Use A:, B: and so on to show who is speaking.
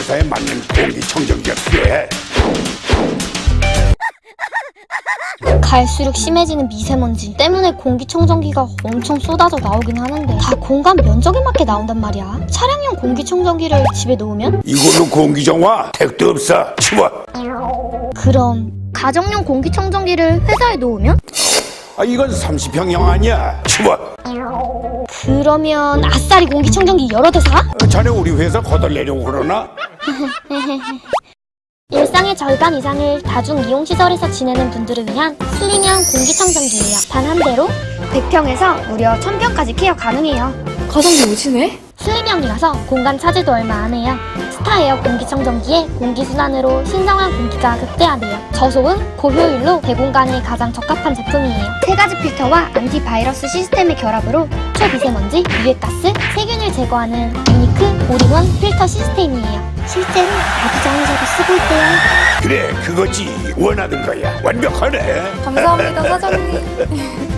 A: 회사에 맞는 공기청정기가 필요해.
B: 갈수록 심해지는 미세먼지 때문에 공기청정기가 엄청 쏟아져 나오긴 하는데 다 공간 면적에 맞게 나온단 말이야. 차량용 공기청정기를 집에 놓으면?
A: 이걸로 공기정화 택도 없어. 치워.
B: 그럼 가정용 공기청정기를 회사에 놓으면?
A: 이건 30평형 아니야. 치워.
B: 그러면 아싸리 공기청정기 여러 대 사?
A: 자네 우리 회사 거덜내려고 그러나?
B: 일상의 절반 이상을 다중 이용시설에서 지내는 분들을 위한 슬림형 공기청정기예요. 단 한 대로 100평에서 무려 1000평까지 케어 가능해요.
C: 가성비 오지네?
B: 슬림형이라서 공간 차지도 얼마 안 해요. 스타에어 공기청정기에 공기순환으로 신성한 공기가 극대화돼요. 저소음, 고효율로 대공간에 가장 적합한 제품이에요. 3가지 필터와 안티바이러스 시스템의 결합으로 초미세먼지, 유해가스, 세균을 제거하는 유니크 올인원 필터 시스템이에요. 실제로 야구장에서도 쓰고 있대요.
A: 그래, 그거지. 원하던 거야. 완벽하네.
C: 감사합니다, 사장님.